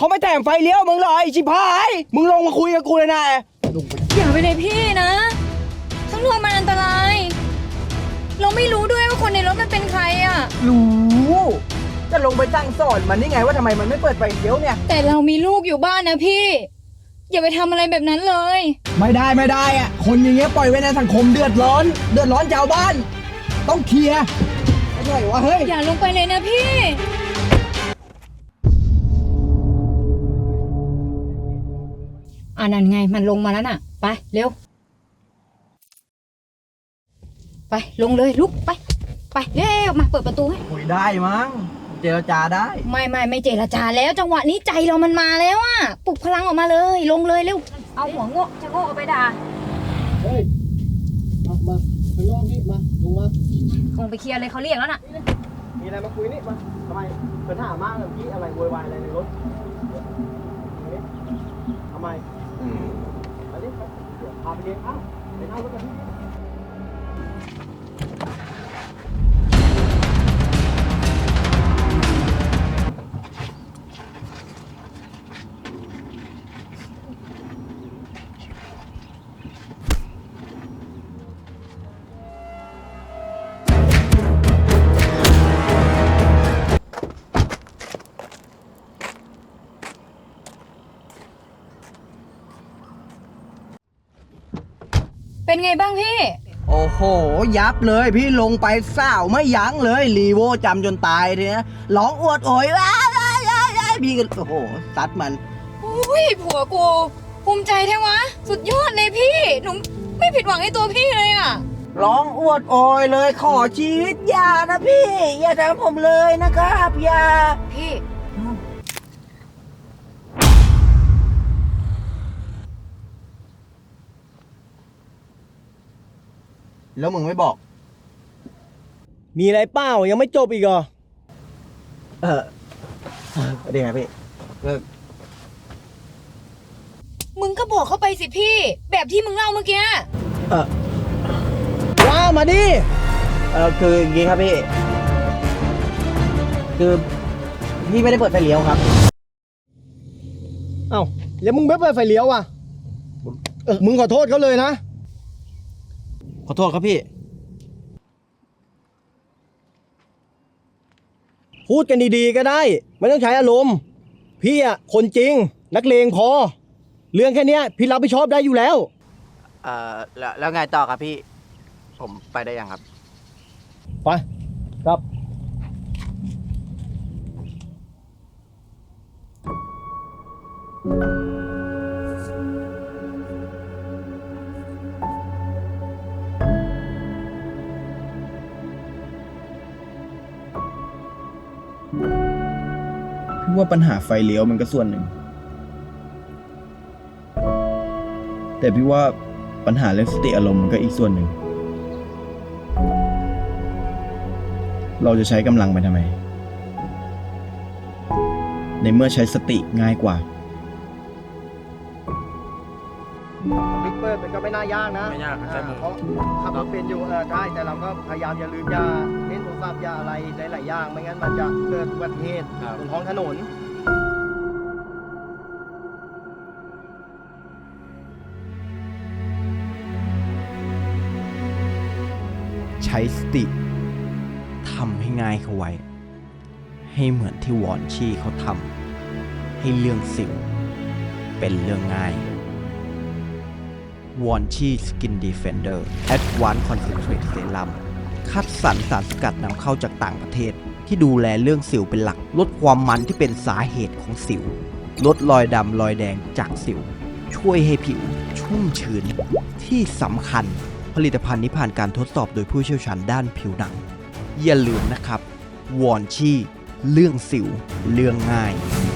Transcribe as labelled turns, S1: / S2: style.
S1: เขาไม่แต่งไฟเลี้ยวมึงเลยชิบหายมึงลงมาคุยกับกูเลยนะลงไป
S2: อย่าไปเลยพี่นะข้างนอกมันอันตราย เราไม่รู้ด้วยว่าคนในรถมันเป็นใครอ่ะ
S1: รู้จะลงไปตั้งสอนมันนี่ไงว่าทำไมมันไม่เปิดไฟเลี้ยวเนี่ย
S2: แต่เรามีลูกอยู่บ้านนะพี่ อย่าไปทำอะไรแบบนั้นเลย
S1: ไม่ได้อ่ะคนอย่างเงี้ยปล่อยไว้ในสังคมเดือดร้อนชาวบ้าน ต้องเคลียร์ไม่ใช่วะเฮ้ย
S2: อย่าลงไปเลยนะพี่ นั่นไงมันลงมาแล้วน่ะ ไปเร็ว ไปลงเลยลุกไปเร็วมาเปิดประตูให้
S1: คุยได้มั้งเจรจาได้
S2: ไม่เจรจาแล้วจังหวะนี้ใจเรามันมาแล้วอ่ะปลุกพลังออกมาเลยลงเลยเร็วเอาหัวโง่จะโง่เอาไปด่า
S3: เฮ้ยมาข้างนอกนี่มาลงมา
S2: คงไปเคลียร์เลยเขาเรียกแล้วน่ะ
S3: มีอะไรมาคุยนี่มาทำไมปัญหามากเลยพี่อะไรโวยวายอะไรในรถทำไมอันนี้พาไปเองไปนั่งรถกันที่
S2: เป็นไงบ้างพี่
S1: โอ้โหยับเลยพี่ลงไปเศร้าไม่ยั้งเลยรีโวจำจนตายเลยนะร้องอวดโอยว้ายพี่ก็โอ้โหซัดมัน
S2: อุ้ยผัวกูภูมิใจแท้วะสุดยอดเลยพี่หนูไม่ผิดหวังในตัวพี่เลยอ่ะ
S1: ร้องอวดโอยเลยขอชีวิตอย่านะพี่อย่าทำผมเลยนะครับอย่า
S2: พี่
S1: แล้วมึงไม่บอก
S3: มีอะไรเปล่ายังไม่จบอีกเหรอ
S1: เดี๋ยวไงพี่
S2: มึงก็บอกเข้าไปสิพี่ แบบที่มึงเล่าเมื่อกี้
S3: ว่ามาดิ
S1: คืออย่างงี้ครับพี่ คือพี่ไม่ได้เปิดไฟเลี้ยวครับ
S3: เอ้าแล้วมึงไม่เปิดไฟเลี้ยวอ่ะมึงขอโทษเขาเลยนะ
S1: ขอโทษครับพี่
S3: พูดกันดีๆก็ได้ไม่ต้องใช้อารมณ์พี่อ่ะคนจริงนักเลงพอเรื่องแค่เนี้ยพี่รับผิดชอบได้อยู่แล้ว
S1: แล้วไงต่อครับพี่ ผมไปได้ยังครับ
S3: ไปครับ
S4: พี่ว่าปัญหาไฟเลี้ยวมันก็ส่วนหนึ่ง แต่พี่ว่าปัญหาเรื่องสติอารมณ์มันก็อีกส่วนหนึ่ง เราจะใช้กำลังไปทำไม ในเมื่อใช้สติง่ายกว่า
S3: บิ๊กเปิดมันก็ไม่น่ายากนะ
S1: ไม่ยากครับใช่
S3: เพราะขับรถเป็นอยู่ใช่แต่เราก็พยายามอย่าลืมอย่าเล่นโทรศัพท์อย่าอะไรหลายๆอย่างไม่งั้นมันจะเกิดอุบัติเหตุบนท้องถนน
S4: ใช้สติทำให้ง่ายเข้าไว้ ให้เหมือนที่วอนชี่เขาทำให้เรื่องสิวเป็นเรื่องง่ายวอนชี่สกินดีเฟนเดอร์แอดวานซ์คอนเซนเทรตเซรั่มคัดสรรสารสกัดนำเข้าจากต่างประเทศที่ดูแลเรื่องสิวเป็นหลักลดความมันที่เป็นสาเหตุของสิวลดรอยดำรอยแดงจากสิวช่วยให้ผิวชุ่มชื้นที่สำคัญผลิตภัณฑ์นี้ผ่านการทดสอบโดยผู้เชี่ยวชาญด้านผิวหนังอย่าลืมนะครับวอนชี่เรื่องสิวเรื่องง่าย